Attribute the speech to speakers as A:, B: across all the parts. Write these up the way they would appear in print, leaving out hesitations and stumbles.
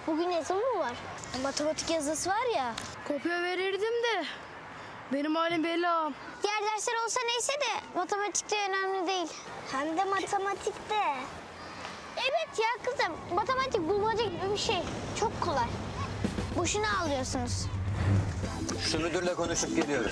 A: Bugün yazı mı var? Matematik yazısı var ya.
B: Kopya verirdim de benim halim belli ağam.
A: Diğer dersler olsa neyse de matematikte önemli değil. Hem de matematikte. Evet ya kızım, matematik bulmaca gibi bir şey. Çok kolay. Boşuna ağlıyorsunuz.
C: Şu müdürle konuşup geliyorum.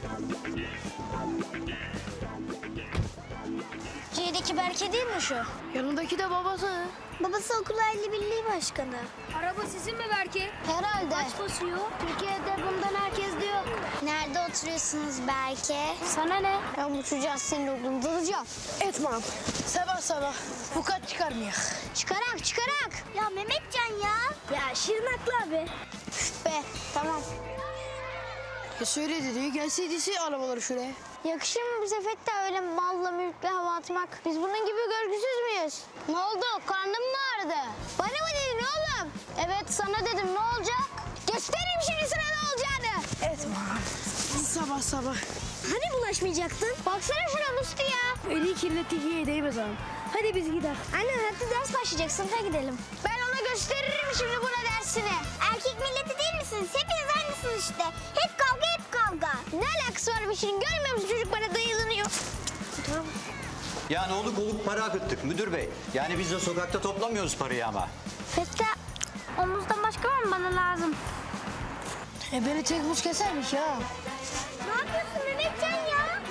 A: C'deki Berke değil mi şu?
B: Yanındaki de babası.
A: Babası okul aile birliği başkanı.
B: Araba sizin mi Berke?
A: Herhalde.
B: Kaç basıyor?
A: Türkiye'de bundan herkes de yok. Nerede oturuyorsunuz Berke? Sana ne? Ben uçacağız senin okulunu dalacağım.
B: Etmem. Sabah sabah bu kaç çıkarmayak.
A: Çıkarak çıkarak. Ya Mehmetcan ya. Ya Şirinaklı abi. Üf be tamam.
B: Ya söyle dedi gelseydi arabaları şuraya.
A: Yakışır mı bize Fettah öyle malla mülkle hava atmak? Biz bunun gibi görgüsüz müyüz? Ne oldu? Karnın mı ağrıdı? Bana mı dedin oğlum? Evet sana dedim ne olacak? Göstereyim şimdi sana ne olacağını.
B: Etmem. Sabah sabah.
A: Hani bulaşmayacaktın? Baksana şuna Musti ya.
B: Eli kirlettik iyi değmez ağam. Hadi biz gidelim.
A: Anne hadi ders başlayacak sınıfa gidelim. Ben ona gösteririm şimdi buna dersini. Erkek milleti değil misiniz? Hepiniz aynısınız işte. Hep kavga hep kavga. Ne alakası var bir şeyin? Görmüyor musun çocuk bana dayılanıyor. Tamam.
C: Yani oluk oluk para akıttık müdür bey. Yani biz de sokakta toplamıyoruz parayı ama.
A: Fettah omuzdan başka var mı bana lazım?
B: Beni tek buz kesermiş ya.
A: Ne yapıyorsun Mehmetcan ya?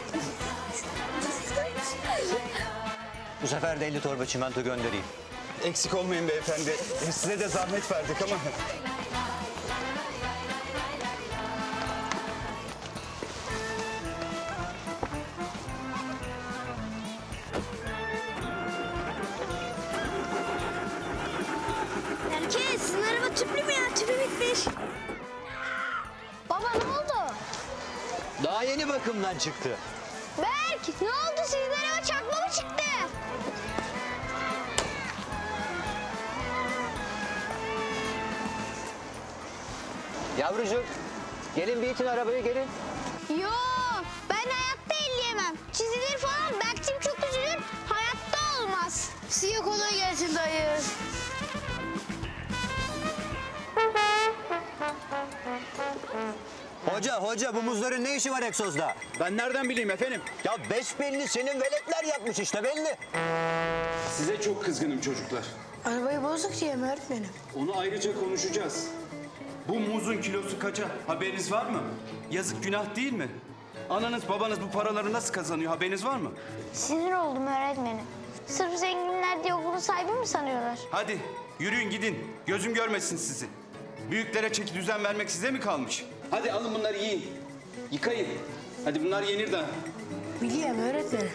C: Bu sefer de 50 torba çimento göndereyim.
D: Eksik olmayın beyefendi. Size de zahmet verdik ama.
A: Herkes sizin araba tüplü mü ya? Tüpü bitmiş. Baba ne oldu?
C: Daha yeni bakımdan çıktı.
A: Berk ne oldu sizin araba çakma mı çıktı?
C: Yavrucuğum gelin bir itin arabayı gelin.
A: Yo ben hayatta elleyemem. Çizilir falan Berk'cim çok üzülür. Hayatta olmaz.
B: Size kolay gelsin dayı.
C: Hoca bu muzların ne işi var egzozda?
D: Ben nereden bileyim efendim?
C: Ya besbelli senin veletler yapmış işte belli.
D: Size çok kızgınım çocuklar.
B: Arabayı bozduk diye mi öğretmenim?
D: Onu ayrıca konuşacağız. Bu muzun kilosu kaça? Haberiniz var mı? Yazık günah değil mi? Ananız babanız bu paraları nasıl kazanıyor? Haberiniz var mı?
A: Sinir oldum öğretmenim. Sırf zenginler diye okulun sahibi mi sanıyorlar?
D: Hadi yürüyün gidin. Gözüm görmesin sizi. Büyüklere çeki düzen vermek size mi kalmış? Hadi alın bunları yiyin. Yıkayın. Hadi bunlar yenir daha.
B: Biliyorum öğretmenim.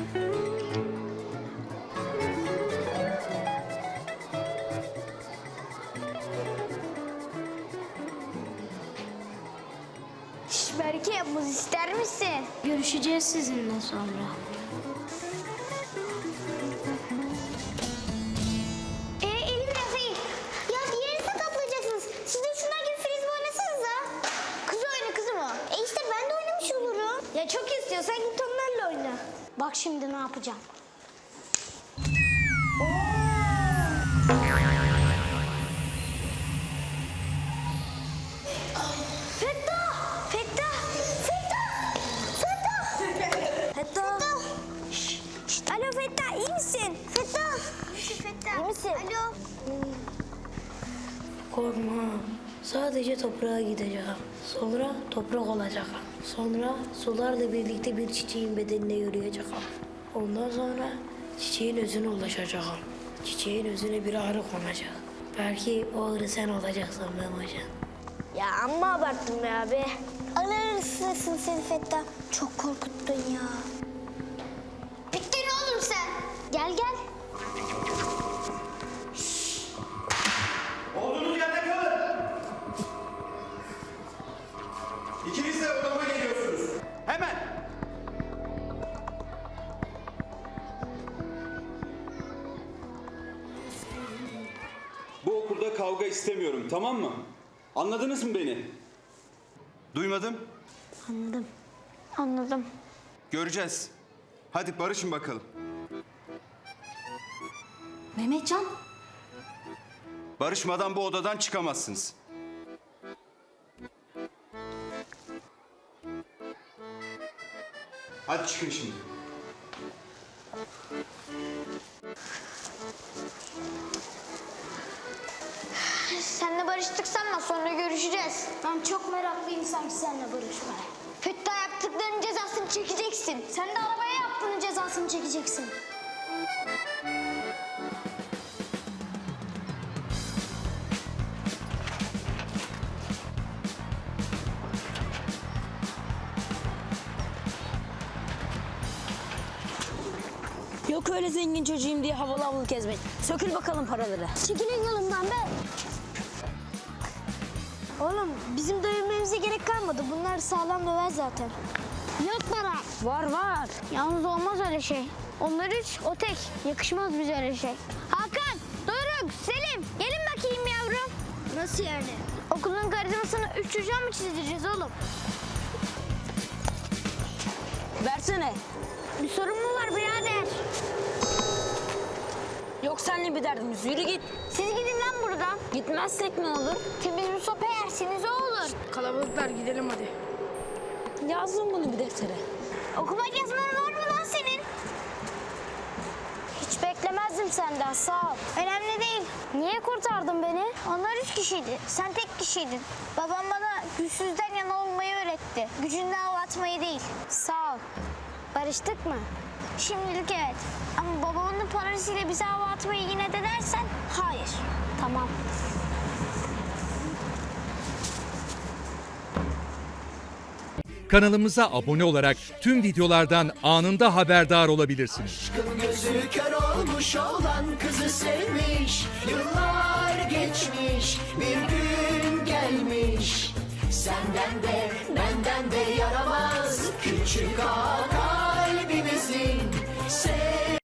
A: Şş Berke muz ister misin? Görüşeceğiz sizinle sonra. Elim biraz iyi. Ya diğerini sakatlayacaksınız. Siz de şunlar gibi frisbee oynasanıza. Kız oyna kızım o. İşte ben de oynamış olurum. Ya çok istiyorsan git onlarla oyna. Bak şimdi ne yapacağım. Fettah! Fettah! Fettah! Fettah! Fettah! Şşş! Alo Fettah iyi misin? Fettah! Fettah. İyi misin? Alo.
B: Korkma. Sadece toprağa gideceğim. Sonra toprak olacağım. Sonra sularla birlikte bir çiçeğin bedenine yürüyeceğim. Ondan sonra çiçeğin özüne ulaşacağım. Çiçeğin özüne bir ağrı konacak. Belki o ağrı sen olacaksın Memocan.
A: Ya amma abarttın be abi. Alırsın seni Fettah. Çok korkuttun ya. Bittin oğlum sen. Gel gel.
D: Olduğunuz yerde kalın. İkiniz de odama geliyorsunuz. Hemen. Bu okulda kavga istemiyorum, tamam mı? Anladınız mı beni? Duymadım.
A: Anladım.
D: Göreceğiz. Hadi barışın bakalım.
E: Mehmetcan.
D: Barışmadan bu odadan çıkamazsınız. Hadi çıkın şimdi.
A: Seninle barıştık sanma, sonra görüşeceğiz.
E: Ben çok meraklıyım sanki seninle barışmaya.
A: Fettah yaptıklarının cezasını çekeceksin.
E: Sen de arabaya yaptığının cezasını çekeceksin.
F: Yok öyle zengin çocuğum diye havalı havalı gezmek. Sökül bakalım paraları.
E: Çekilin yolumdan be.
A: Oğlum bizim dövmemize gerek kalmadı. Bunlar sağlam döver zaten.
E: Yok para.
F: Var var.
A: Yalnız olmaz öyle şey. Onlar üç, o tek. Yakışmaz bize öyle şey. Hakan, Doruk, Selim gelin bakayım yavrum.
E: Nasıl yani?
A: Okulun karizmasını üç çocuğa mı çizdireceğiz oğlum?
F: Versene.
A: Bir sorun mu var birader?
F: Yok seninle bir derdimiz. Yürü git.
A: Siz gidin lan buradan.
F: Gitmezsek ne olur?
A: Temiz bir sopa yersiniz o olur.
B: Kalabalıklar gidelim hadi.
F: Yazdım bunu bir deftere.
A: Okumak yazman var mı lan senin?
E: Hiç beklemezdim senden, sağ ol.
A: Önemli değil.
E: Niye kurtardın beni?
A: Onlar üç kişiydi. Sen tek kişiydin. Babam bana güçsüzden yana olmayı öğretti. Gücünle hava atmayı değil.
E: Sağ ol. Barıştık mı?
A: Şimdilik evet. Ama babamın parasıyla bize hava atmayı yine de dersen hayır.
E: Tamam.
G: Kanalımıza abone olarak tüm videolardan anında haberdar olabilirsiniz.
H: Aşkın gözü kör olmuş olan kızı sevmiş. Yıllar geçmiş, bir gün gelmiş. Senden de benden de yaramaz küçük ağa kalbimizin.